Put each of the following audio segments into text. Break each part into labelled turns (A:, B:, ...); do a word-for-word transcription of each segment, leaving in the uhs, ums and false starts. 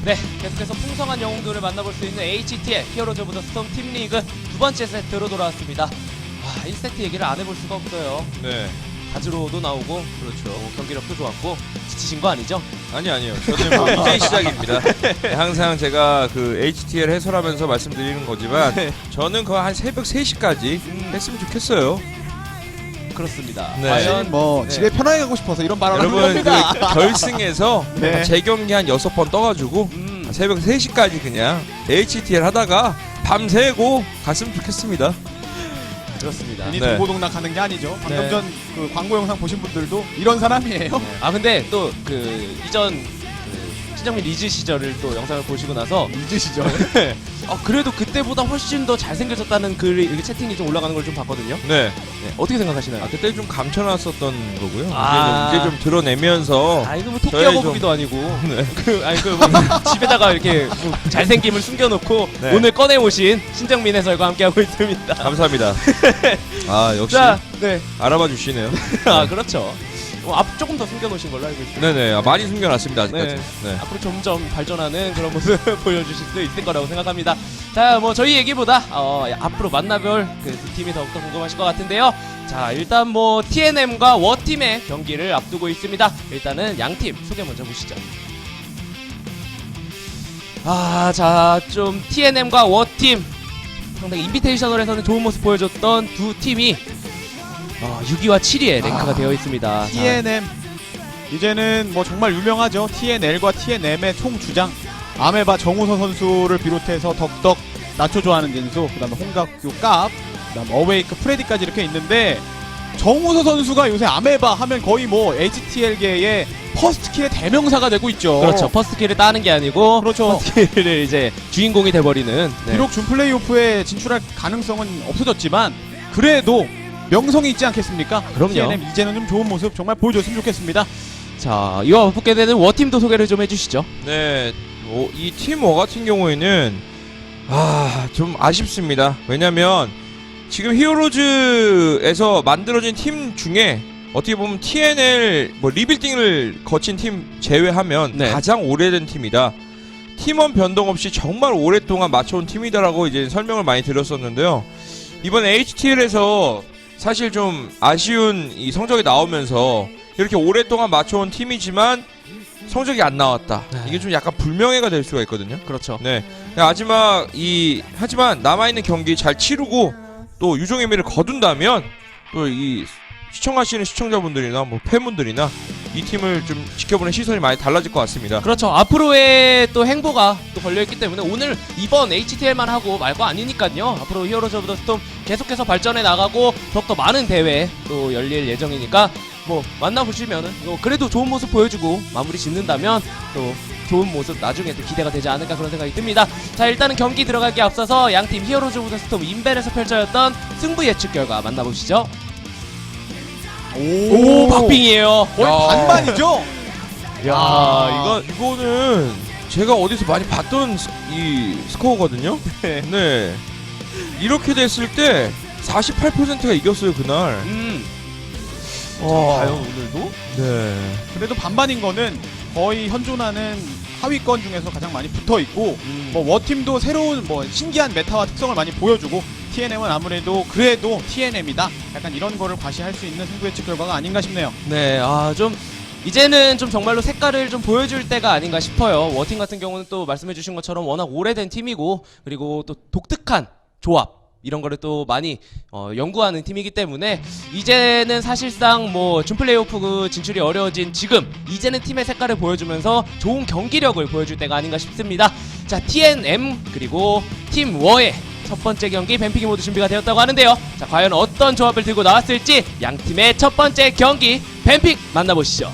A: 네, 계속해서 풍성한 영웅들을 만나볼 수 있는 에이치티엘 히어로즈 오브 더 스톰 팀리그 두 번째 세트로 돌아왔습니다. 아, 일 세트 얘기를 안 해볼 수가 없어요.
B: 네.
A: 가즈로도 나오고, 그렇죠. 어, 경기력도 좋았고, 지치신 거 아니죠?
B: 아니 아니요. 저는 뭐 이제 시작입니다. 네, 항상 제가 그 에이치티엘 해설하면서 말씀드리는 거지만 저는 거의 한 새벽 세 시까지
A: 음.
B: 했으면 좋겠어요.
A: 그렇습니다.
B: 네.
A: 과연
C: 뭐
A: 네.
C: 집에 편하게 가고 싶어서 이런 발언을 하는
B: 여러분
C: 겁니다.
B: 그 결승에서
C: 네.
B: 재경기 한 여섯 번 떠가지고
A: 음,
B: 새벽 세 시까지 그냥 에이치티엘 하다가 밤새고 갔으면 좋겠습니다.
A: 그렇습니다.
C: 괜히
B: 네.
C: 동고동락 하는 게 아니죠. 방금
A: 네.
C: 전 그 광고 영상 보신 분들도 이런 사람이에요.
A: 아, 근데 또 그 이전 그 신정민 리즈 시절을 또 영상을 보시고 나서
C: 잊으시죠?
A: 어, 그래도 그때보다 훨씬 더 잘생겨졌다는 글이 이렇게 채팅이 좀 올라가는 걸 좀 봤거든요.
B: 네.
A: 네, 어떻게 생각하시나요?
B: 아 그때 좀 감춰놨었던 거고요.
A: 아.
B: 이제는 이제 좀 드러내면서
A: 아, 이거 뭐
B: 저희
A: 토끼하고
B: 좀-
A: 보기도 아니고.
B: 네.
A: 그, 아니, 그, 뭐, 집에다가 이렇게 뭐 잘생김을 숨겨놓고
B: 네.
A: 오늘 꺼내오신 신정민 해설과 함께하고 있습니다.
B: 감사합니다. 아 역시
A: 자, 네.
B: 알아봐 주시네요.
A: 아, 그렇죠. 어, 앞 조금 더 숨겨놓으신 걸로 알고 있습니다.
B: 네네. 아, 많이 숨겨놨습니다 아직까지.
A: 네.
B: 네.
A: 앞으로 점점 발전하는 그런 모습 보여주실 수 있을 거라고 생각합니다. 자, 뭐 저희 얘기보다 어, 앞으로 만나볼 그 두 팀이 더욱더 궁금하실 것 같은데요. 자, 일단 뭐 티엔엠과 워팀의 경기를 앞두고 있습니다. 일단은 양팀 소개 먼저 보시죠. 아, 자, 좀 티엔엠과 워팀 상당히 인비테이셔널에서는 좋은 모습 보여줬던 두 팀이 어, 육 위와 칠 위에 랭크가
C: 아,
A: 되어 있습니다. 자,
C: 티엔엠 이제는 뭐 정말 유명하죠. 티엔엘과 티엔엠의 총 주장 아메바 정우서 선수를 비롯해서 덕덕 나초 좋아하는 진수, 그다음에 홍각규 깝, 그다음 어웨이크 프레디까지 이렇게 있는데 정우서 선수가 요새 아메바 하면 거의 뭐 에이치티엘계의 퍼스트킬의 대명사가 되고 있죠.
A: 그렇죠. 퍼스트킬을 따는 게 아니고
C: 그렇죠.
A: 퍼스트킬을 이제 주인공이 돼버리는. 네.
C: 비록 준 플레이오프에 진출할 가능성은 없어졌지만 그래도 명성이 있지 않겠습니까?
A: 그럼요.
C: 티엔엠 이제는 좀 좋은 모습 정말 보여줬으면 좋겠습니다.
A: 자, 이와 맞붙게 되는 워팀도 소개를 좀 해주시죠.
B: 네. 어, 이 팀 워 같은 경우에는 아, 좀 아쉽습니다. 왜냐면 지금 히어로즈에서 만들어진 팀 중에 어떻게 보면 티엔엘 뭐 리빌딩을 거친 팀 제외하면
A: 네.
B: 가장 오래된 팀이다. 팀원 변동 없이 정말 오랫동안 맞춰온 팀이다라고 이제 설명을 많이 드렸었는데요. 이번 에이치티엘에서 사실 좀 아쉬운 이 성적이 나오면서 이렇게 오랫동안 맞춰온 팀이지만 성적이 안 나왔다.
A: 네.
B: 이게 좀 약간 불명예가 될 수가 있거든요.
A: 그렇죠.
B: 네. 마지막 이 하지만 남아 있는 경기 잘 치르고 또 유종의 미를 거둔다면 또 이 시청하시는 시청자분들이나 뭐 팬분들이나 이 팀을 좀 지켜보는 시선이 많이 달라질 것 같습니다.
A: 그렇죠. 앞으로의 또 행보가 또 걸려있기 때문에 오늘 이번 에이치티엘만 하고 말 거 아니니까요. 앞으로 히어로즈 오브 더 스톰 계속해서 발전해 나가고 더욱더 많은 대회 또 열릴 예정이니까 뭐 만나보시면은 뭐 그래도 좋은 모습 보여주고 마무리 짓는다면 또 좋은 모습 나중에 또 기대가 되지 않을까 그런 생각이 듭니다. 자, 일단은 경기 들어가기 앞서서 양팀 히어로즈 오브 더 스톰 인벤에서 펼쳐졌던 승부 예측 결과 만나보시죠. 오, 박빙이에요.
C: 거의
B: 야.
C: 반반이죠.
B: 야,
C: 아.
B: 이거 이거는 제가 어디서 많이 봤던 스, 이 스코어거든요.
A: 네.
B: 네. 이렇게 됐을 때 사십팔 퍼센트가 이겼어요 그날.
A: 음,
B: 와.
A: 과연 오늘도?
B: 네.
C: 그래도 반반인 거는 거의 현존하는 하위권 중에서 가장 많이 붙어 있고
A: 음,
C: 뭐 워팀도 새로운 뭐 신기한 메타와 특성을 많이 보여주고 티엔엠은 아무래도 그래도 티엔엠이다. 약간 이런 거를 과시할 수 있는 승부 예측 결과가 아닌가 싶네요.
A: 네, 아, 좀 이제는 좀 정말로 색깔을 좀 보여줄 때가 아닌가 싶어요. 워팀 같은 경우는 또 말씀해주신 것처럼 워낙 오래된 팀이고 그리고 또 독특한 조합 이런 거를 또 많이 어, 연구하는 팀이기 때문에 이제는 사실상 뭐 준플레이오프 그 진출이 어려워진 지금 이제는 팀의 색깔을 보여주면서 좋은 경기력을 보여줄 때가 아닌가 싶습니다. 자, 티엔엠 그리고 팀 워의 첫 번째 경기 뱀피기 모드 준비가 되었다고 하는데요. 자, 과연 어떤 조합을 들고 나왔을지 양 팀의 첫 번째 경기 뱀픽 만나보시죠.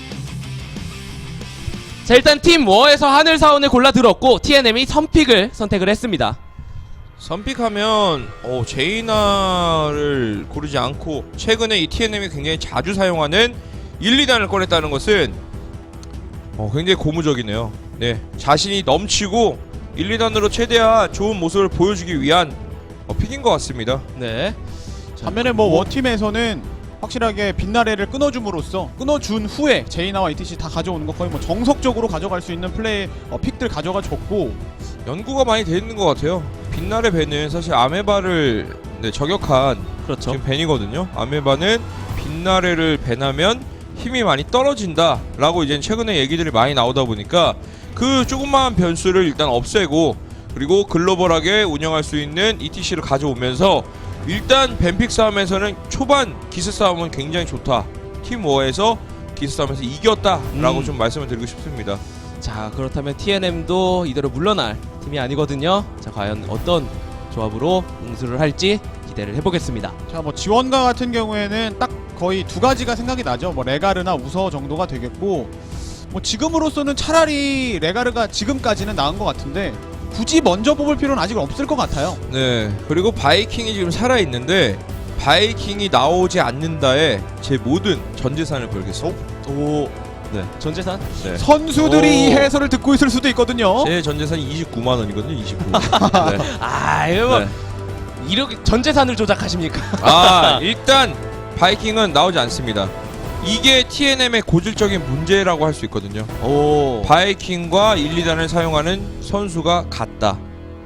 A: 자, 일단 팀 워에서 하늘사원을 골라 들었고 티엔엠이 선픽을 선택을 했습니다.
B: 선픽하면 어, 제이나를 고르지 않고 최근에 이 티엔엠이 굉장히 자주 사용하는 일, 이 단을 꺼냈다는 것은 어, 굉장히 고무적이네요. 네, 자신이 넘치고 일, 이 단으로 최대한 좋은 모습을 보여주기 위한 어, 픽인 것 같습니다.
A: 네.
C: 반면에 뭐 워팀에서는 확실하게 빛나래를 끊어줌으로써 끊어준 후에 제이나와 이티씨 다 가져오는 거 거의 뭐 정석적으로 가져갈 수 있는 플레이 어, 픽들 가져가 줬고
B: 연구가 많이 돼 있는 것 같아요. 빛날의 밴은 사실 아메바를 네, 저격한
A: 그렇죠.
B: 지금 밴이거든요. 아메바는 빛나래를 밴하면 힘이 많이 떨어진다 라고 이제 최근에 얘기들이 많이 나오다 보니까 그 조그마한 변수를 일단 없애고 그리고 글로벌하게 운영할 수 있는 이티씨를 가져오면서 일단 밴픽 싸움에서는 초반 기세 싸움은 굉장히 좋다. 팀 워에서 기세 싸움에서 이겼다 라고
A: 음.
B: 좀 말씀을 드리고 싶습니다.
A: 자, 그렇다면 티엔엠도 이대로 물러날 팀이 아니거든요. 자, 과연 어떤 조합으로 응수를 할지 기대를 해보겠습니다.
C: 자 뭐 지원가 같은 경우에는 딱 거의 두 가지가 생각이 나죠. 뭐 레가르나 우서 정도가 되겠고 뭐 지금으로서는 차라리 레가르가 지금까지는 나은 것 같은데 굳이 먼저 뽑을 필요는 아직 없을 것 같아요.
B: 네, 그리고 바이킹이 지금 살아있는데 바이킹이 나오지 않는다에 제 모든 전 재산을 걸겠습니다.
A: 오,
B: 네.
A: 전재산?
B: 네.
C: 선수들이
B: 오.
C: 이 해설을 듣고 있을 수도 있거든요.
B: 제 전 재산이 이십구만 원이거든요. 이십구. 네.
A: 아, 이거
B: 네.
A: 이렇게 전재산을 조작하십니까?
B: 아, 일단 바이킹은 나오지 않습니다. 이게 티엔엠의 고질적인 문제라고 할 수 있거든요.
A: 오,
B: 바이킹과 일, 이 단을 사용하는 선수가 같다.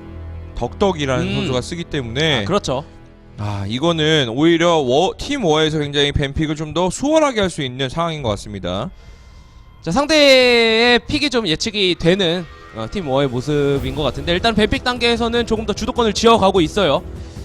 B: 덕덕이라는
A: 음.
B: 선수가 쓰기 때문에
A: 아, 그렇죠.
B: 아, 이거는 오히려 워, 팀 워에서 굉장히 밴픽을 좀 더 수월하게 할 수 있는 상황인 것 같습니다.
A: 자, 상대의 픽이 좀 예측이 되는 어, 팀 워의 모습인 것 같은데 일단 뱀픽 단계에서는 조금 더 주도권을 쥐어가고 있어요.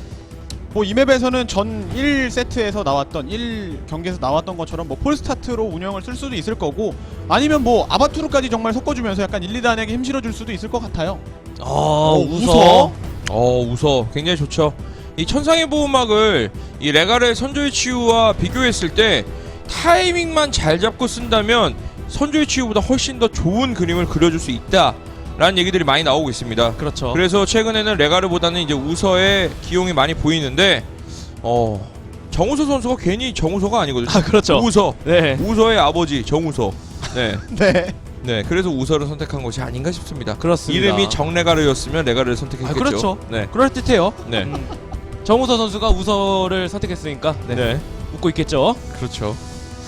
C: 뭐 이 맵에서는 전 일 세트에서 나왔던 일 경기에서 나왔던 것처럼 뭐 폴스타트로 운영을 쓸 수도 있을 거고 아니면 뭐 아바투르까지 정말 섞어주면서 약간 일, 이 단에게 힘 실어줄 수도 있을 것 같아요.
A: 어,
C: 어,
A: 웃어.
B: 어, 웃어. 굉장히 좋죠. 이 천상의 보호막을 이 레가르의 선조의 치유와 비교했을 때 타이밍만 잘 잡고 쓴다면 선조의 치유보다 훨씬 더 좋은 그림을 그려줄 수 있다 라는 얘기들이 많이 나오고 있습니다.
A: 그렇죠.
B: 그래서 최근에는 레가르보다는 이제 우서의 기용이 많이 보이는데 어 정우서 선수가 괜히 정우서가 아니거든요.
A: 아, 그렇죠.
B: 우서
A: 네.
B: 우서의 아버지 정우서. 네.
C: 네.
B: 네, 그래서 우서를 선택한 것이 아닌가 싶습니다.
A: 그렇습니다.
B: 이름이 정레가르였으면 레가르를 선택했겠죠.
A: 아, 그렇죠.
B: 네.
A: 그럴 듯해요.
B: 네.
A: 음, 정우서 선수가 우서를 선택했으니까 네.
B: 네.
A: 웃고 있겠죠.
B: 그렇죠.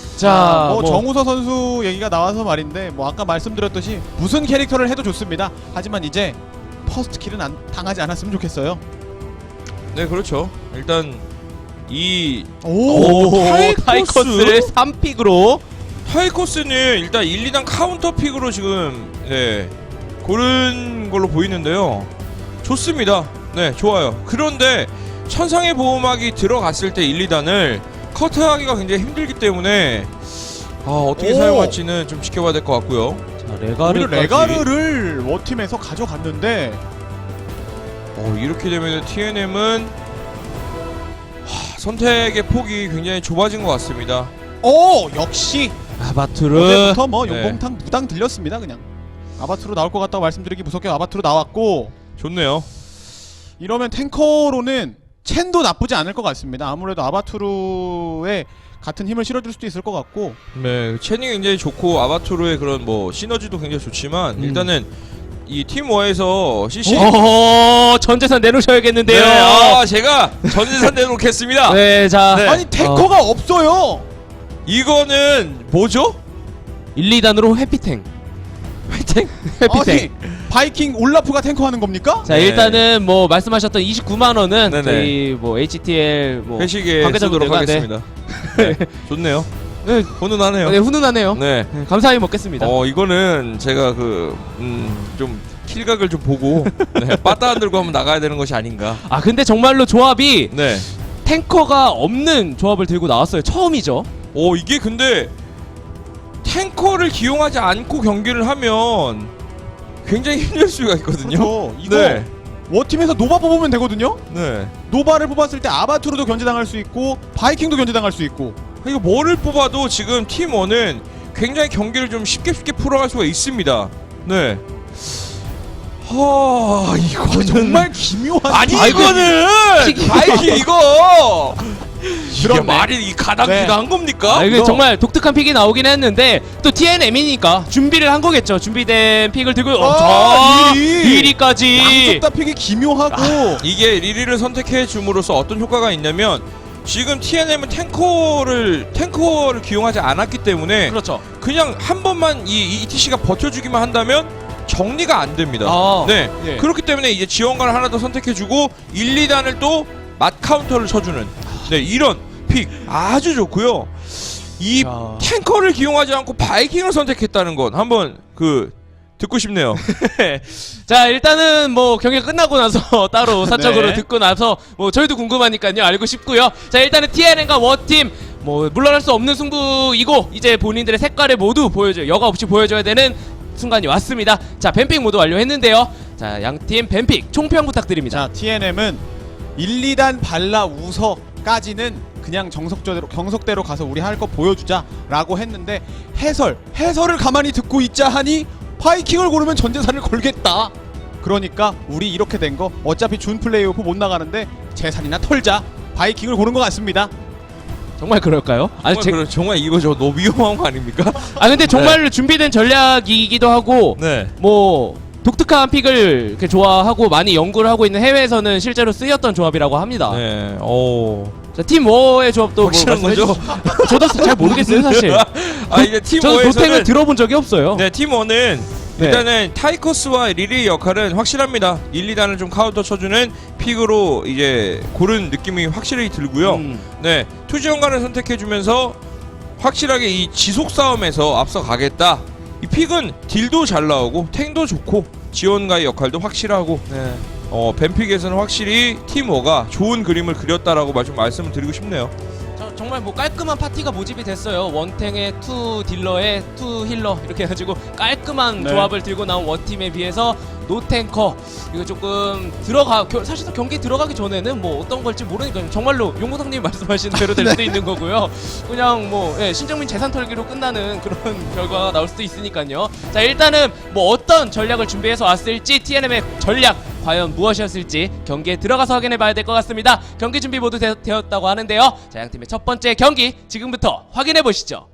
A: 자,
C: 뭐,
A: 뭐
C: 정우서 선수 얘기가 나와서 말인데 뭐 아까 말씀드렸듯이 무슨 캐릭터를 해도 좋습니다. 하지만 이제 퍼스트 킬은 안, 당하지 않았으면 좋겠어요.
B: 네, 그렇죠. 일단 이
C: 오,
A: 오,
B: 타이커스?
A: 타이커스를 삼 픽으로
B: 타이커스는 일단 일, 이 단 카운터 픽으로 지금 네 고른 걸로 보이는데요. 좋습니다. 네, 좋아요. 그런데 천상의 보호막이 들어갔을 때 일, 이 단을 커트하기가 굉장히 힘들기 때문에 아, 어떻게
C: 오.
B: 사용할지는 좀 지켜봐야 될 것 같고요.
A: 자,
C: 오히려
A: 레가르까지
C: 레가르를 워팀에서 가져갔는데
B: 어, 이렇게 되면 티엔엠은 선택의 폭이 굉장히 좁아진 것 같습니다.
C: 오 역시
A: 아바투르
C: 어제부터 뭐
B: 네.
C: 용봉탕 무당 들렸습니다. 그냥 아바투로 나올 것 같다고 말씀드리기 무섭게 아바투로 나왔고
B: 좋네요.
C: 이러면 탱커로는 첸도 나쁘지 않을 것 같습니다. 아무래도 아바투르에 같은 힘을 실어줄 수도 있을 것 같고
B: 네, 체닝 굉장히 좋고 아바투르의 그런 뭐 시너지도 굉장히 좋지만
A: 음.
B: 일단은 이 팀워에서 씨씨
A: 어, 전재산 내놓으셔야겠는데요.
B: 네, 아, 제가 전재산 내놓겠습니다.
A: 네, 자,
B: 네.
C: 아니 탱커가 없어요.
B: 이거는 뭐죠?
A: 일, 이 단으로 해피탱. 해피탱? 해피탱.
C: 아니 바이킹 올라프가 탱커하는 겁니까?
A: 자,
B: 네.
A: 일단은 뭐 말씀하셨던 이십구만 원은
B: 네네.
A: 저희 뭐 에이치티엘 뭐
B: 회식에
A: 관계자분들과,
B: 쓰도록 하겠습니다. 네. 좋네요.
A: 네,
B: 훈훈하네요.
A: 네, 훈훈하네요.
B: 네.
A: 네, 감사히 먹겠습니다.
B: 어, 이거는 제가 그 음, 좀 킬각을 좀 보고 네, 빠따 안 들고 한번 나가야 되는 것이 아닌가.
A: 아, 근데 정말로 조합이
B: 네.
A: 탱커가 없는 조합을 들고 나왔어요. 처음이죠.
B: 어, 이게 근데 탱커를 기용하지 않고 경기를 하면 굉장히 힘들 수가 있거든요.
C: 그렇죠. 이거
B: 네.
C: 워팀에서 노바 뽑으면 되거든요.
B: 네.
C: 노바를 뽑았을 때 아바투르도 견제당할 수 있고 바이킹도 견제당할 수 있고
B: 이거 뭐를 뽑아도 지금 팀원은 굉장히 경기를 좀 쉽게 쉽게 풀어갈 수가 있습니다. 네. 하, 이거는
C: 정말 기묘한
B: 아니
C: 아,
B: 이거는 바이킹 이거 이게
C: 그렇네.
B: 말이 이 가당키당한
C: 네.
B: 겁니까?
A: 아, 이게
C: 이거-
A: 정말 독특한 픽이 나오긴 했는데 또 티엔엠이니까 준비를 한 거겠죠. 준비된 픽을 들고 어,
C: 아,
A: 자,
C: 이-
A: 이리까지.
C: 양쪽 다 픽이 기묘하고
B: 이게 리리를 선택해 줌으로써 어떤 효과가 있냐면 지금 티엔엠은 탱커를 탱커를 기용하지 않았기 때문에
A: 그렇죠.
B: 그냥 한 번만 이 이티씨가 버텨주기만 한다면 정리가 안 됩니다.
A: 아,
B: 네.
A: 예.
B: 그렇기 때문에 이제 지원관을 하나 더 선택해주고 일, 이 단을 또 맛 카운터를 쳐주는 네 이런 픽 아주 좋고요. 이
A: 자.
B: 탱커를 기용하지 않고 바이킹을 선택했다는 건 한번 그 듣고 싶네요.
A: 자, 일단은 뭐 경기가 끝나고 나서 따로 사적으로
C: 네.
A: 듣고 나서 뭐 저희도 궁금하니까요. 알고 싶고요. 자, 일단은 티엔엠과 워팀 뭐 물러날 수 없는 승부이고 이제 본인들의 색깔을 모두 보여줘 여과 없이 보여줘야 되는 순간이 왔습니다. 자, 뱀픽 모두 완료했는데요. 자, 양팀 뱀픽 총평 부탁드립니다.
C: 자, 티엔엠은 일, 이 단 발라 우서까지는 그냥 정석대로 경석대로 가서 우리 할 거 보여주자라고 했는데 해설 해설을 가만히 듣고 있자 하니 바이킹을 고르면 전재산을 걸겠다. 그러니까 우리 이렇게 된 거 어차피 준 플레이오프 못 나가는데 재산이나 털자. 바이킹을 고른 것 같습니다.
A: 정말 그럴까요? 아니,
B: 정말,
A: 제,
B: 그래, 정말 이거 저 너무 위험한 거 아닙니까?
A: 아 근데 정말로 준비된 전략이기도 하고
B: 네.
A: 뭐 독특한 픽을 이렇게 좋아하고 많이 연구를 하고 있는 해외에서는 실제로 쓰였던 조합이라고 합니다.
B: 네. 오.
A: 자, 팀 워의 조합도 뭐
B: 확실한
A: 말씀해
B: 거죠?
A: 주시- 저도 잘 모르겠어요, 사실.
B: 아 이제 팀
A: 저도 도탱을
B: 워에서는
A: 들어본 적이 없어요.
B: 네, 팀 원은
A: 네.
B: 일단은 타이커스와 리리의 역할은 확실합니다. 일, 이 단을 좀 카운터 쳐주는 픽으로 이제 고른 느낌이 확실히 들고요.
A: 음.
B: 네, 투지원관을 선택해주면서 확실하게 이 지속 싸움에서 앞서 가겠다. 이 픽은 딜도 잘 나오고 탱도 좋고 지원가의 역할도 확실하고
A: 네.
B: 어, 뱀픽에서는 확실히 팀워가 좋은 그림을 그렸다라고 좀 말씀을 드리고 싶네요.
A: 저, 정말 뭐 깔끔한 파티가 모집이 됐어요. 원탱의 투 딜러에 투 힐러 이렇게 해가지고 깔끔한
C: 네.
A: 조합을 들고 나온 원팀에 비해서 노탱커 이거 조금 들어가 겨, 사실 경기 들어가기 전에는 뭐 어떤 걸지 모르니까 정말로 용모상님이 말씀하신 대로 될 수도 있는 거고요. 그냥 뭐 예, 신정민 재산 털기로 끝나는 그런 결과가 나올 수도 있으니까요. 자, 일단은 뭐 어떤 전략을 준비해서 왔을지 티엔엠의 전략 과연 무엇이었을지 경기에 들어가서 확인해 봐야 될 것 같습니다. 경기 준비 모두 되, 되었다고 하는데요. 자, 양팀의 첫 번째 경기 지금부터 확인해 보시죠.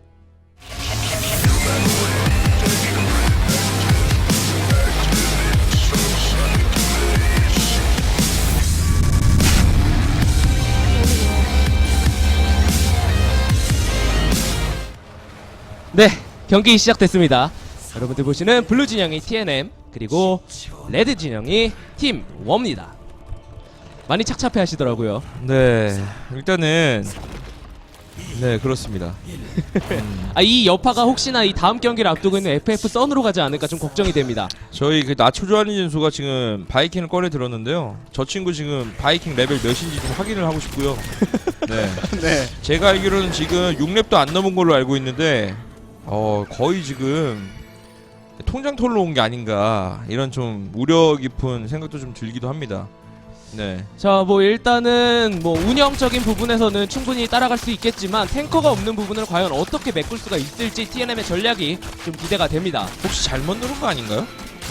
A: 네, 경기 시작됐습니다. 여러분들 보시는 블루 진영이 티엔엠 그리고 레드 진영이 팀 워입니다. 많이 착잡해 하시더라고요.
B: 네, 일단은 네 그렇습니다.
A: 아, 이 여파가 혹시나 이 다음 경기를 앞두고 있는 에프에프 선으로 가지 않을까 좀 걱정이 됩니다.
B: 저희 그 나초 조한이 선수가 지금 바이킹을 꺼내 들었는데요. 저 친구 지금 바이킹 레벨 몇인지 좀 확인을 하고 싶고요. 네,
C: 네.
B: 제가 알기로는 지금 육 렙도 안 넘은 걸로 알고 있는데 어 거의 지금 통장 털러 온 게 아닌가 이런 좀 우려 깊은 생각도 좀 들기도 합니다. 네.
A: 자, 뭐 일단은 뭐 운영적인 부분에서는 충분히 따라갈 수 있겠지만 탱커가 없는 부분을 과연 어떻게 메꿀 수가 있을지 티엔엠의 전략이 좀 기대가 됩니다.
B: 혹시 잘못 누른 거 아닌가요?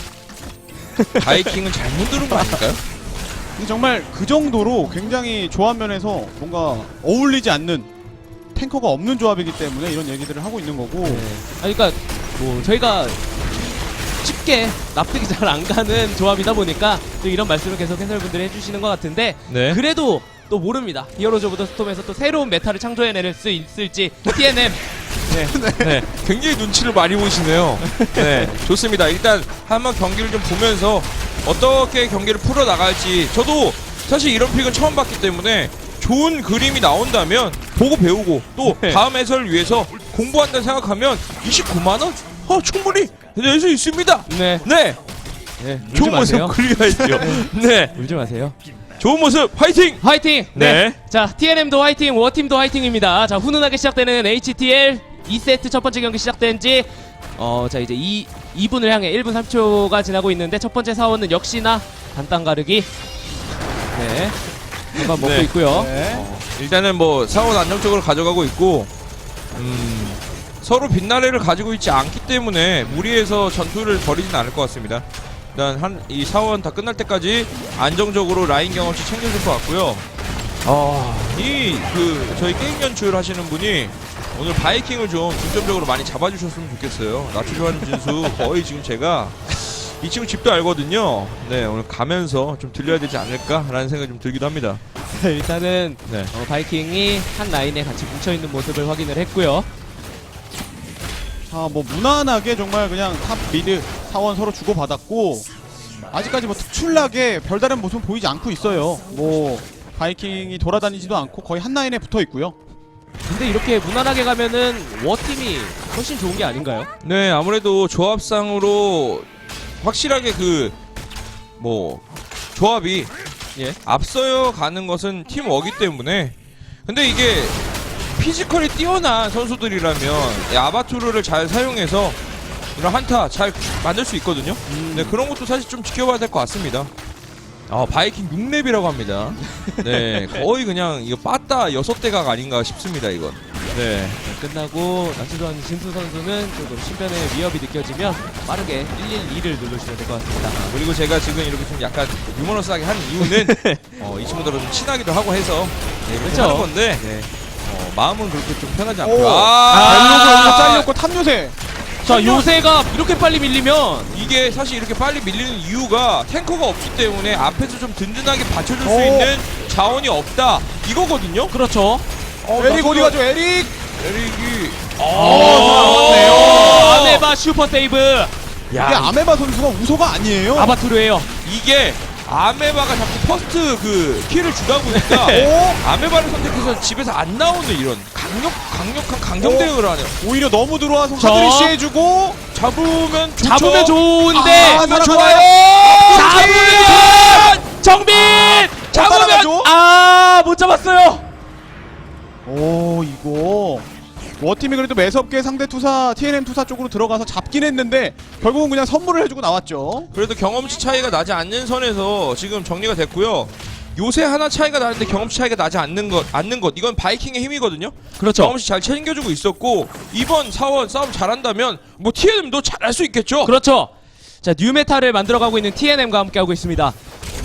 B: 바이킹은 잘못 누른 거 아닐까요?
C: 근데 정말 그 정도로 굉장히 조합 면에서 뭔가 어울리지 않는 탱커가 없는 조합이기 때문에 이런 얘기들을 하고 있는 거고.
A: 아, 그러니까 뭐 저희가 쉽게 납득이 잘 안 가는 조합이다 보니까 또 이런 말씀을 계속 해설분들이 해주시는 것 같은데
B: 네.
A: 그래도 또 모릅니다. 히어로즈 오브 더 스톰에서 또 새로운 메타를 창조해낼 수 있을지 티엔엠
B: 네, 굉장히 눈치를 많이 보시네요. 네, 좋습니다. 일단 한번 경기를 좀 보면서 어떻게 경기를 풀어 나갈지 저도 사실 이런 픽은 처음 봤기 때문에 좋은 그림이 나온다면 보고 배우고 또
A: 네.
B: 다음 해설을 위해서 공부한다 생각하면 이십구만 원? 어, 충분히 낼 수 있습니다.
A: 네,
B: 네,
A: 네 울지
B: 좋은 모습
A: 마세요.
B: 그려야죠. 네,
A: 울지 마세요.
B: 좋은 모습 화이팅!
A: 화이팅! 네.
B: 네.
A: 자, 티엔엠도 화이팅, 워팀도 화이팅입니다. 자, 훈훈하게 시작되는 에이치티엘 이 세트 첫 번째 경기 시작된 지 어, 자, 이제 이, 이 분을 향해 일 분 삼 초가 지나고 있는데 첫 번째 사원은 역시나 간단 가르기. 네. 한번 먹고
B: 네.
A: 있고요.
C: 네.
B: 일단은 뭐 사원 안정적으로 가져가고 있고 음, 서로 빛나래를 가지고 있지 않기 때문에 무리해서 전투를 벌이진 않을 것 같습니다. 일단 한 이 사원 다 끝날 때까지 안정적으로 라인 경험치 챙겨줄 것 같고요. 아, 이 그 저희 게임 연출 하시는 분이 오늘 바이킹을 좀 중점적으로 많이 잡아주셨으면 좋겠어요. 나초 좋아하는 진수 거의 지금 제가 이 친구 집도 알거든요. 네, 오늘 가면서 좀 들려야 되지 않을까라는 생각이 좀 들기도 합니다.
A: 일단은
B: 네.
A: 어, 바이킹이 한 라인에 같이 뭉쳐있는 모습을 확인을 했고요.
C: 자, 뭐 무난하게 정말 그냥 탑 미드 사원 서로 주고받았고 아직까지 뭐 특출나게 별다른 모습 보이지 않고 있어요. 뭐 바이킹이 돌아다니지도 않고 거의 한 라인에 붙어 있고요.
A: 근데 이렇게 무난하게 가면은 워팀이 훨씬 좋은 게 아닌가요?
B: 네, 아무래도 조합상으로 확실하게 그 뭐 조합이
A: 예.
B: 앞서여 가는 것은 팀워기 때문에. 근데 이게 피지컬이 뛰어난 선수들이라면 이 아바투르를 잘 사용해서 이런 한타 잘 만들 수 있거든요.
A: 음.
B: 네, 그런 것도 사실 좀 지켜봐야 될 것 같습니다. 아, 바이킹 육 렙이라고 합니다. 네, 거의 그냥 이거 빠따 여섯 대각 아닌가 싶습니다, 이건. 네.
A: 끝나고 나치도한 진수 선수는 조금 신변의 위협이 느껴지면 빠르게 일일이를 누르시면 될 것 같습니다.
B: 그리고 제가 지금 이렇게 좀 약간 유머러스하게 하는 이유는 어, 이 친구들은 좀 친하기도 하고 해서 네, 그렇게
A: 그렇죠.
B: 하는 건데 네. 어, 마음은 그렇게 좀 편하지 않고요.
C: 오. 벨로그 아, 잘렸고 탑 요새.
A: 자, 요새가 이렇게 빨리 밀리면
B: 이게 사실 이렇게 빨리 밀리는 이유가 탱커가 없기 때문에 앞에서 좀 든든하게 받쳐줄 수
C: 오.
B: 있는 자원이 없다 이거거든요.
A: 그렇죠.
B: 어,
C: 에릭 어디 가죠? 에릭.
B: 에릭이
C: 어, 잘하네요.
A: 오, 아메바 슈퍼 세이브.
C: 이게 아메바 선수가 우소가 아니에요.
A: 아바투르예요.
B: 이게 아메바가 자꾸 퍼스트 그 킬을 주다 보니까
C: 오.
B: 아메바를 선택해서 집에서 안 나오는 이런 강력 강력한 강경
C: 오.
B: 대응을 하네요.
C: 오히려 너무 들어와서
A: 저.
C: 하드리시 해주고
B: 잡으면 좋죠.
A: 잡으면 좋은데
C: 아,
B: 이거
C: 살아가요.
B: 좋아요.
A: 잡으면 정빈
B: 잡으면
C: 따라가죠?
A: 아, 못 잡았어요.
C: 오, 이거 워팀이 그래도 매섭게 상대 투사 티엔엠 투사 쪽으로 들어가서 잡긴 했는데 결국은 그냥 선물을 해주고 나왔죠.
B: 그래도 경험치 차이가 나지 않는 선에서 지금 정리가 됐고요. 요새 하나 차이가 나는데 경험치 차이가 나지 않는 것, 않는 것 이건 바이킹의 힘이거든요.
A: 그렇죠.
B: 경험치 잘 챙겨주고 있었고 이번 사원 싸움 잘한다면 뭐 티엔엠도 잘할 수 있겠죠.
A: 그렇죠. 자, 뉴메탈을 만들어가고 있는 티엔엠과 함께하고 있습니다.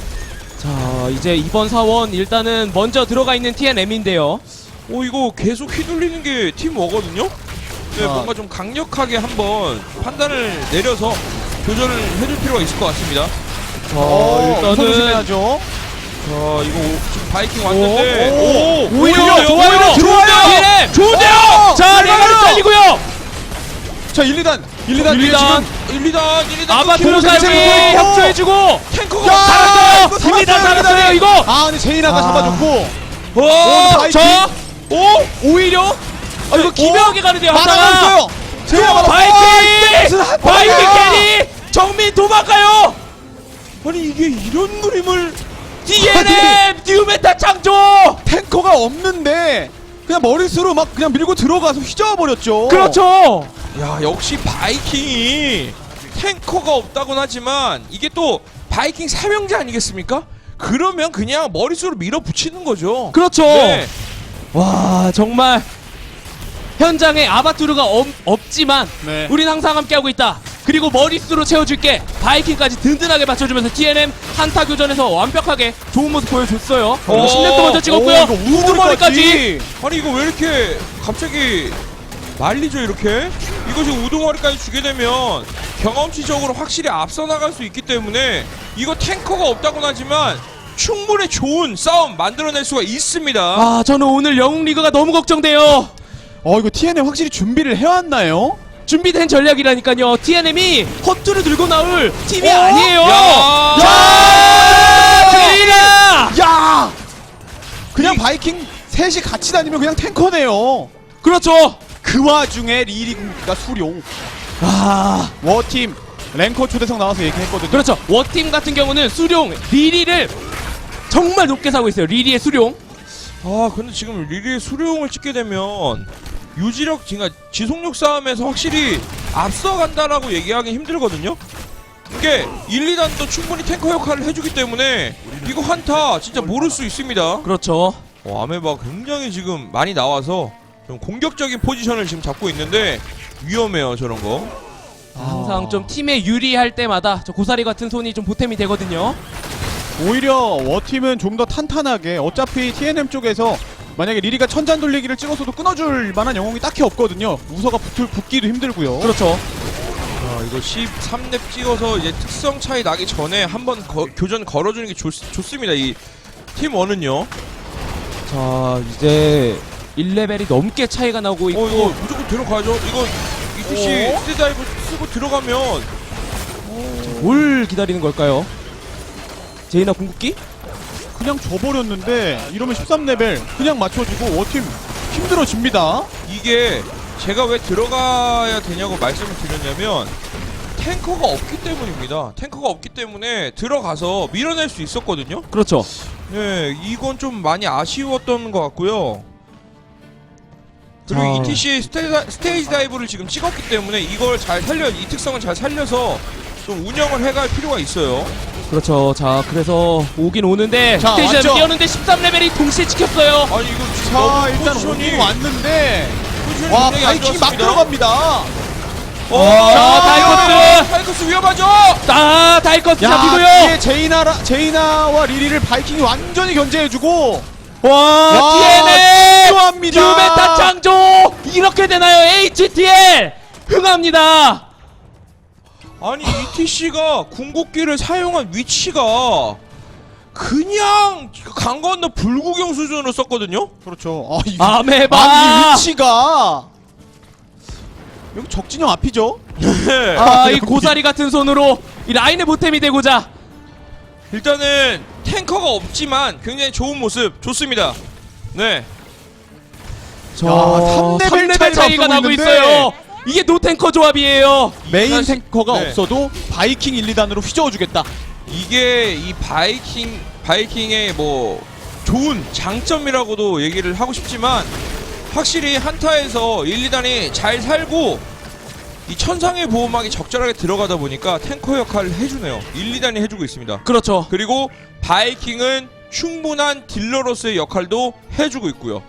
A: 자, 이제 이번 사원 일단은 먼저 들어가 있는 티엔엠인데요.
B: 오, 이거 계속 휘둘리는 게 팀워거든요. 네,
C: 아.
B: 뭔가 좀 강력하게 한번 판단을 내려서 교전을 해줄 필요가 있을 것 같습니다.
A: 자,
C: 어, 우선
A: 일단은
C: 조심해야죠.
B: 자, 이거 오- 지금 바이킹 왔는데
C: 오, 오,
A: 오히려
C: 오히려,
A: 좋아요.
C: 오히려 좋아요.
A: 티엔엠 좋은데요.
C: 어,
A: 자,
C: 좋아요.
A: 레가를 잘리고요.
C: 자, 일, 이 단 일, 이 단
A: 일, 이 단.
C: 지금
B: 일, 이 단, 일, 이 단
A: 아바투르까지
C: 끊기고
A: 협조해주고
B: 탱커가
C: 야,
A: 살았어요.
C: 이거
A: 일, 이 단
C: 살았어요,
A: 살았어요. 이거.
C: 아, 근데 제이나가
A: 아.
C: 잡아줬고
B: 와,
C: 바이킹.
A: 자,
B: 오,
A: 오히려 아, 이거 기묘하게 가는데요. 하다가
C: 막아냈어요. 제이나 막아.
A: 바이킹 바이킹 캐리 정민 도망가요.
B: 아니 이게 이런 그림을
A: 티엔엠 뉴메탈 창조.
C: 탱커가 없는데 그냥 머릿수로 막 그냥 밀고 들어가서 휘저어 버렸죠.
A: 그렇죠.
B: 야, 역시 바이킹이 탱커가 없다곤 하지만 이게 또 바이킹 삼형제 아니겠습니까? 그러면 그냥 머릿수로 밀어붙이는 거죠.
A: 그렇죠.
B: 네.
A: 와, 정말 현장에 아바투르가 없, 없지만
C: 네.
A: 우린 항상 함께하고 있다. 그리고 머릿수로 채워줄게. 바이킹까지 든든하게 맞춰주면서 티엔엠 한타 교전에서 완벽하게 좋은 모습 보여줬어요.
B: 오,
A: 십 렙도 먼저 찍었고요.
C: 오, 이거
A: 우두머리까지.
B: 아니 이거 왜 이렇게 갑자기 말리죠 이렇게? 이거 지금 우두머리까지 주게 되면 경험치적으로 확실히 앞서 나갈 수 있기 때문에 이거 탱커가 없다곤 하지만 충분히 좋은 싸움 만들어낼 수가 있습니다.
A: 아, 저는 오늘 영웅 리그가 너무 걱정돼요.
C: 어, 이거 티엔엠 확실히 준비를 해왔나요?
A: 준비된 전략이라니까요. 티엔엠이 헛투를 들고 나올 팀이
C: 어?
A: 아니에요.
B: 야!
A: 자, 제이나.
C: 야! 그냥 바이킹 셋이 같이 다니면 그냥 탱커네요.
A: 그렇죠.
C: 그 와중에 리리가 수룡.
A: 아,
C: 워팀 랭커 초대석 나와서 얘기했거든요.
A: 그렇죠. 워팀 같은 경우는 수룡 리리를 정말 높게 사고 있어요. 리리의 수룡.
B: 아 근데 지금 리리의 수룡을 찍게 되면 유지력, 그러니까 지속력 싸움에서 확실히 앞서간다라고 얘기하기 힘들거든요. 이게 일, 이 단도 충분히 탱커 역할을 해주기 때문에 이거 한타 진짜 모를 수 있습니다.
A: 그렇죠.
B: 어, 아메바 굉장히 지금 많이 나와서 좀 공격적인 포지션을 지금 잡고 있는데 위험해요 저런 거.
A: 항상 좀 팀에 유리할 때마다 저 고사리 같은 손이 좀 보탬이 되거든요.
C: 오히려 워팀은 좀 더 탄탄하게 어차피 티엔엠 쪽에서 만약에 리리가 천잔 돌리기를 찍어서도 끊어줄 만한 영웅이 딱히 없거든요. 우서가 붙을, 붙기도 힘들고요.
A: 그렇죠.
B: 아, 이거 십삼 렙 찍어서 이제 특성 차이 나기 전에 한번 교전 걸어주는 게 좋, 좋습니다. 이 팀 원은요.
A: 자 이제 일 레벨이 넘게 차이가 나고 있고
B: 어 이거 무조건 들어가죠. 이거 이티씨
C: 어?
B: 스테다이브 쓰고 들어가면
A: 뭘 기다리는 걸까요? 제이나 궁극기?
C: 그냥 져버렸는데 이러면 십삼 레벨 그냥 맞춰지고 워팀 힘들어집니다.
B: 이게 제가 왜 들어가야 되냐고 말씀을 드렸냐면 탱커가 없기 때문입니다. 탱커가 없기 때문에 들어가서 밀어낼 수 있었거든요.
A: 그렇죠.
B: 네, 이건 좀 많이 아쉬웠던 것 같고요. 그리고
A: 자.
B: 이티씨 스테이지, 스테이지 다이브를 지금 찍었기 때문에 이걸 잘 살려, 이 특성을 잘 살려서 좀 운영을 해갈 필요가 있어요.
A: 그렇죠. 자 그래서 오긴 오는데
C: 자,
A: 스테이지에
C: 왔죠?
A: 뛰었는데 십삼 레벨이 동시에 찍혔어요.
B: 아니 이거 지금
C: 자
B: 너무
C: 일단
B: 포지션이
C: 오긴 왔는데
B: 포지션이
C: 와
B: 굉장히 안
C: 바이킹이 막
B: 좋았습니다.
C: 들어갑니다.
B: 어,
A: 자, 다이커스!
B: 다이커스 위험하죠.
A: 아 다이커스
C: 야
A: 잡히고요.
C: 뒤에 제이나 제이나와 리리를 바이킹이 완전히 견제해주고
A: 와 티엔엘
C: 필요합니다.
A: 유메타 창조 이렇게 되나요? 에이치티엘 흥합니다.
B: 아니 이티씨가 궁극기를 사용한 위치가 그냥 강 건너 불구경 수준으로 썼거든요.
C: 그렇죠. 아, 이,
A: 아메바
C: 아, 이 위치가 여기 적진영 앞이죠.
B: 네.
A: 아, 이
C: 여기.
A: 고사리 같은 손으로 이 라인의 보탬이 되고자.
B: 일단은 탱커가 없지만 굉장히 좋은 모습 좋습니다. 네.
A: 저
C: 삼 레벨
A: 삼 레벨
C: 차이가
A: 차이가
C: 앞서고
A: 나고
C: 있는데.
A: 있어요. 이게 노탱커 조합이에요.
C: 메인
B: 사실-
C: 탱커가
B: 네.
C: 없어도 바이킹 일, 이 단으로 휘저어주겠다.
B: 이게 이 바이킹 바이킹의 뭐 좋은 장점이라고도 얘기를 하고 싶지만 확실히 한타에서 일, 이 단이 잘 살고 이 천상의 보호막이 적절하게 들어가다 보니까 탱커 역할을 해주네요. 일, 이 단이 해주고 있습니다.
A: 그렇죠.
B: 그리고 바이킹은 충분한 딜러로서의 역할도 해주고 있고요.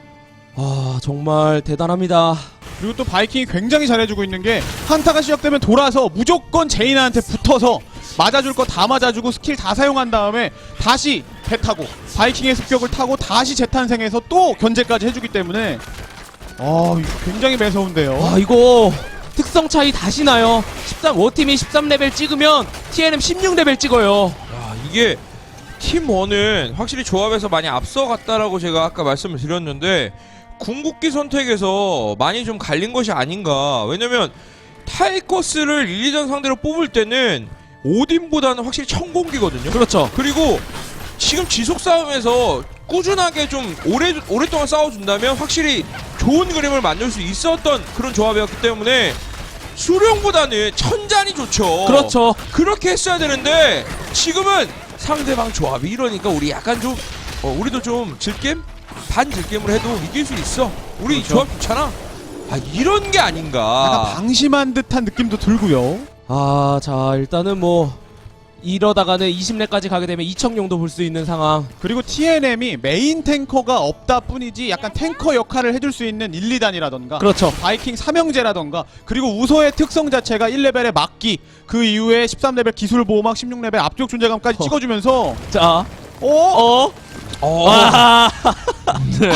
A: 아 정말 대단합니다.
C: 그리고 또 바이킹이 굉장히 잘해주고 있는 게 한타가 시작되면 돌아서 무조건 제이나한테 붙어서 맞아줄 거 다 맞아주고 스킬 다 사용한 다음에 다시 배 타고 바이킹의 습격을 타고 다시 재탄생해서 또 견제까지 해주기 때문에 아 이거 굉장히 매서운데요.
A: 아 이거 특성 차이 다시 나요. 십삼 워팀이 십삼 레벨 찍으면 티엔엠 십육 레벨 찍어요.
B: 야, 이게 팀원은 확실히 조합에서 많이 앞서갔다라고 제가 아까 말씀을 드렸는데 궁극기 선택에서 많이 좀 갈린 것이 아닌가. 왜냐면 타이커스를 일, 이 전 상대로 뽑을 때는 오딘보다는 확실히 천공기거든요.
A: 그렇죠.
B: 그리고 지금 지속 싸움에서 꾸준하게 좀 오래, 오랫동안 싸워준다면 확실히 좋은 그림을 만들 수 있었던 그런 조합이었기 때문에 수령보다는 천잔이 좋죠.
A: 그렇죠.
B: 그렇게 했어야 되는데 지금은 상대방 조합이 이러니까 우리 약간 좀 어, 우리도 좀 질겜? 반 질겜을 해도 이길 수 있어. 우리
C: 그렇죠.
B: 조합 좋잖아. 아 이런 게
C: 약간
B: 아닌가.
C: 방심한 듯한 느낌도 들고요.
A: 아 자 일단은 뭐 이러다가는 이십 렙까지 가게 되면 이청용도 볼 수 있는 상황.
C: 그리고 티엔엠이 메인 탱커가 없다 뿐이지 약간 탱커 역할을 해줄 수 있는 일, 이 단이라던가
A: 그렇죠.
C: 바이킹 삼형제라던가 그리고 우서의 특성 자체가 일 레벨의 막기 그 이후에 십삼 레벨 기술 보호막 십육 레벨 압력 존재감까지
A: 어.
C: 찍어주면서
A: 자
C: 어?
A: 어?
B: 어.
A: 와 네.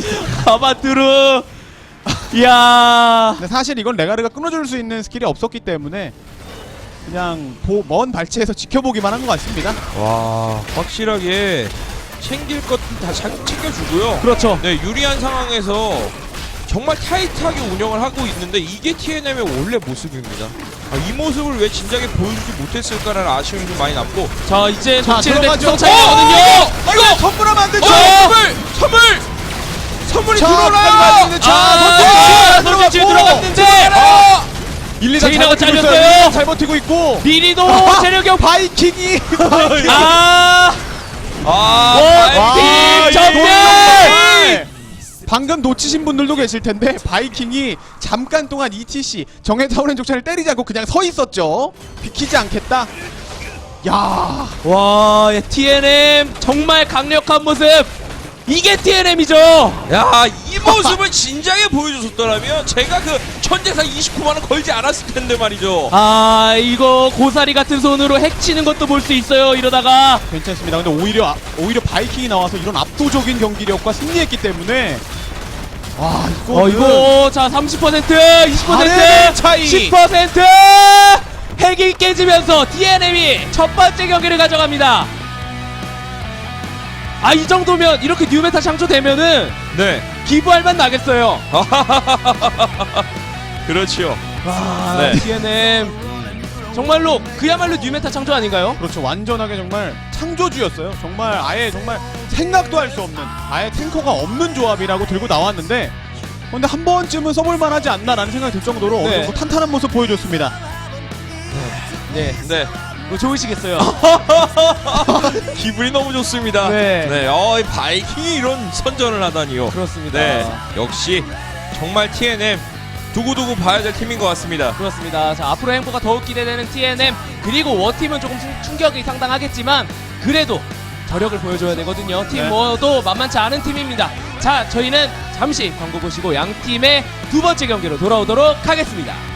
A: 가바투르 이야
C: 근데 사실 이건 레가르가 끊어줄 수 있는 스킬이 없었기 때문에 그냥 보, 먼 발치에서 지켜보기만 한 것 같습니다.
B: 와 확실하게 챙길 것 다 챙겨주고요.
A: 그렇죠.
B: 네 유리한 상황에서 정말 타이트하게 운영을 하고 있는데 이게 티엔엠의 원래 모습입니다. 아, 이 모습을 왜 진작에 보여주지 못했을까라는 아쉬움이 좀 많이 남고.
A: 자 이제
C: 자,
A: 놓치는데
C: 들어가죠.
A: 특성 차이거든요.
B: 어,
C: 이거 선물하면 안 되죠.
B: 어, 선물 선물 선물이
C: 자,
B: 들어오나요?
C: 자,
A: 아,
C: 선택
A: 선택지 들어갔는데
B: 아,
C: 일, 이 단
A: 제이나가
C: 잘 버티고
A: 잘렸어요.
C: 있어요. 잘 버티고 있고
A: 리리도 체력이 없.
C: 바이킹이
A: 아
B: 아,
A: 와,
B: 바이킹
A: 팀 전멸!
C: 정말 방금 놓치신 분들도 계실 텐데 바이킹이 잠깐 동안 이티씨 정해타오렌 족차를 때리지 않고 그냥 서 있었죠. 비키지 않겠다. 야,
A: 와 티엔엠 정말 강력한 모습. 이게 티엔엠이죠.
B: 야, 이 모습을 진작에 보여줬었더라면 제가 그 천재상 이십구만 원 걸지 않았을 텐데 말이죠.
A: 아 이거 고사리 같은 손으로 핵치는 것도 볼 수 있어요. 이러다가
C: 괜찮습니다. 근데 오히려 아- 오히려 바이킹이 나와서 이런 압도적인 경기력과 승리했기 때문에 와 이거
A: 어 이거 자 삼십 퍼센트 이십
C: 사 레벨
A: 퍼센트
C: 차이.
A: 십 퍼센트 핵이 깨지면서 티엔엠이 첫 번째 경기를 가져갑니다. 아, 이 정도면 이렇게 뉴메타 창조되면은
B: 네.
A: 기부할 만 나겠어요.
B: 그렇죠.
A: 와,
B: 네.
A: 티엔엠 정말로 그야말로 뉴메타 창조 아닌가요?
C: 그렇죠. 완전하게 정말 창조주였어요. 정말 아예 정말 생각도 할 수 없는, 아예 탱커가 없는 조합이라고 들고 나왔는데, 근데 한 번쯤은 써볼만 하지 않나라는 생각이 들 정도로 어느
A: 네.
C: 정도 탄탄한 모습 보여줬습니다.
A: 네,
B: 네.
A: 뭐 좋으시겠어요.
B: 기분이 너무 좋습니다.
A: 네.
B: 네. 어, 이 바이킹이 이런 선전을 하다니요.
A: 그렇습니다.
B: 네. 역시 정말 티엔엠 두고두고 봐야 될 팀인 것 같습니다.
A: 그렇습니다. 자, 앞으로 행보가 더욱 기대되는 티엔엠, 그리고 워팀은 조금 충- 충격이 상당하겠지만 그래도 저력을 보여줘야 되거든요. 팀
C: 네.
A: 워도 만만치 않은 팀입니다. 자, 저희는 잠시 광고 보시고 양 팀의 두 번째 경기로 돌아오도록 하겠습니다.